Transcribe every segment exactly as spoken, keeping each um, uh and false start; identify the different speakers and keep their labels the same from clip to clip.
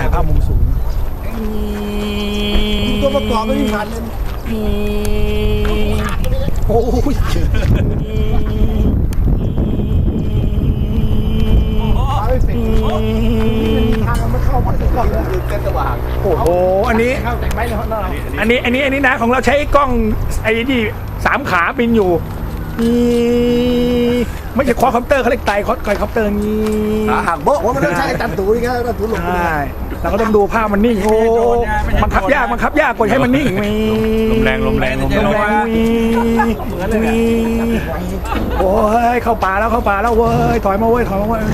Speaker 1: ภาพมุมสูงตัวประกอบไม่มีผ่านเลยโอ้ยทางมันไม่เข้ามาถึงก่อนเลยเส้นสว่างโอ้โหอันนี้อันนี้อันนี้อันนี้นะของเราใช้กล้องไอ้นี่สามขาบินอยู่นี่ไม่ใช่ควอดคอปเตอร์เขาเรียกไตควอดคอปเตอร์นี่ห่างโบ๊ะว่ามันต้องใช้ตันตูนี่ก็ตันตูหลงใช่เราก็ต้องดูภาพมันนิ่งโอ้มันขับยากมันขับยากกว่าให้มันนิ่งมี
Speaker 2: ลมแรงลมแรงลมแรง
Speaker 1: มีมีโอ้ยเข้าป่าแล้วเข้าป่าแล้วเว้ยถอยมาเว้ยถอยมาเว้ย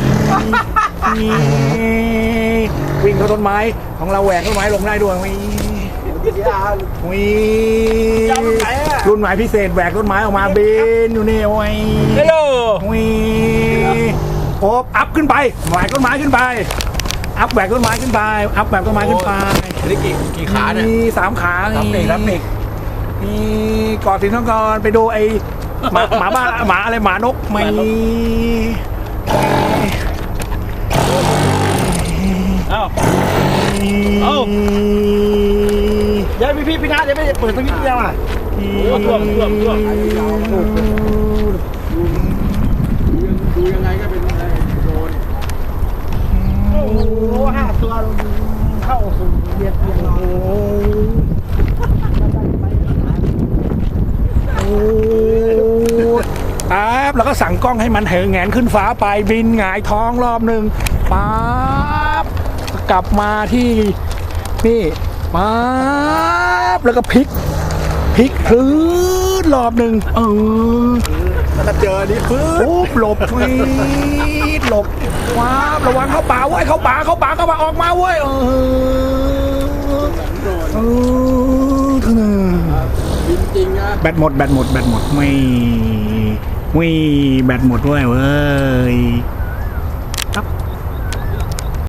Speaker 1: วิ่งเข้าต้นไม้ของเราแหวกต้นไม้ลงได้ด้วยมีมีรุ่นหมายพิเศษแหวกต้นไม้ออกมาบินอยู่นี่โอ้ย
Speaker 2: ฮัลโหล
Speaker 1: มีโอบอัพขึ้นไปแหวกต้นไม้ขึ้นไปอัพแหวกต้นไม้ขึ้นไปอัพแหวกต้นไม้ขึ้นไป
Speaker 2: นี่กี่กี่ขาเนี่ย
Speaker 1: มีสามขารับเด็กรับเด็กมีกอดสินทองกรไปดูไอหมาหมาบ้าหมาอะไรหมานกไม่
Speaker 2: เอ้าเอ้า
Speaker 1: เดี๋ยวพี่พี่พี่นาเดี๋ยวไม่เปิดตรงนี้เดียวอ่ะ
Speaker 2: ท่วมท่วมท่วม
Speaker 1: ดูยังไงก็เป็นโดนโอ้โหห้าตัวเข้าสู่เบียดเบียนโอ้โหปั๊บแล้วก็สั่งกล้องให้มันเหงแงนขึ้นฟ้าไปบินหงายท้องรอบหนึ่งปั๊บกลับมาที่นี่ปั๊บแล้วก็พลิกพลิกพื้นรอบหนึ่งเออแล้วก็เจอนี่พื้นปุ๊บหลบฟีดหลบว้าระวังเข้าป่าเว้ยเข้าป่าเข้าป่าเข้าป่าออกมาเว้ยเออเออเท่านั้นจริงนะแบตหมดแบตหมดแบตหมดไม่ไม่แบตหมดด้วยเว้ย